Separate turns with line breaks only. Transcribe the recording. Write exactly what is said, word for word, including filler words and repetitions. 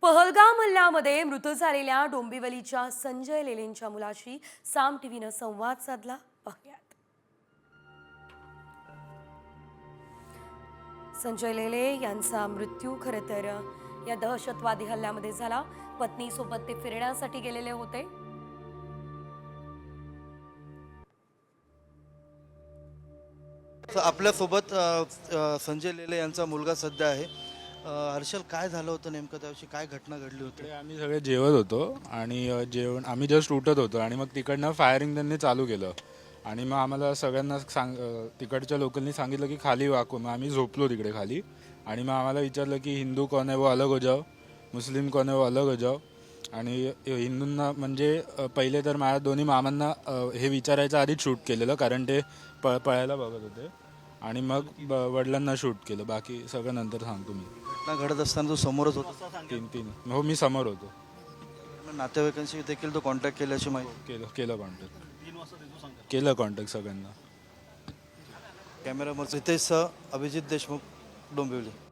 पहलगाम हल्ल्यामध्ये मृत झालेल्या डोंबिवलीच्या संजय लेलेंच्या मुलाशी साम टीव्हीनं संवाद साधला. पाहुयात. संजय लेले यांचा मृत्यू खरं तर या दहशतवादी हल्ल्यामध्ये झाला. पत्नीसोबत ते फिरण्यासाठी गेलेले होते.
आपल्यासोबत संजय लेले यांचा मुलगा सध्या आहे. हर्षल, काय झालं होतं नेमकं, त्याविषयी काय घटना घडली होती?
आम्ही सगळे जेवत होतो आणि अ, जेवण आम्ही जस्ट उठत होतो आणि मग तिकडनं फायरिंग त्यांनी चालू केलं आणि मग आम्हाला सगळ्यांना सांग अ, तिकडच्या लोकांनी सांगितलं की खाली वाकू. मग आम्ही झोपलो तिकडे खाली आणि मग आम्हाला विचारलं की हिंदू कोण आहे वो अलग हो जाओ, मुस्लिम कोण आहे वो अलग हो जाओ. आणि हिंदूंना म्हणजे अ, पहिले तर माझ्या दोन्ही मामांना अ, हे विचारायचं आधीच शूट केलेलं, कारण ते पळ पळायला बघत होते. आणि मग ब वडिलांना शूट केलं. बाकी सगळं नंतर सांगतो मी.
घटना घडत असताना तो समोरच होता?
तीन तीन हो, मी समोर होतो.
नातेवाईकांशी देखील तो कॉन्टॅक्ट केल्याची माहिती?
केलं केलं कॉन्टॅक्ट केलं कॉन्टॅक्ट सगळ्यांना.
कॅमेरामन रितेश सह अभिजित देशमुख, डोंबिवली.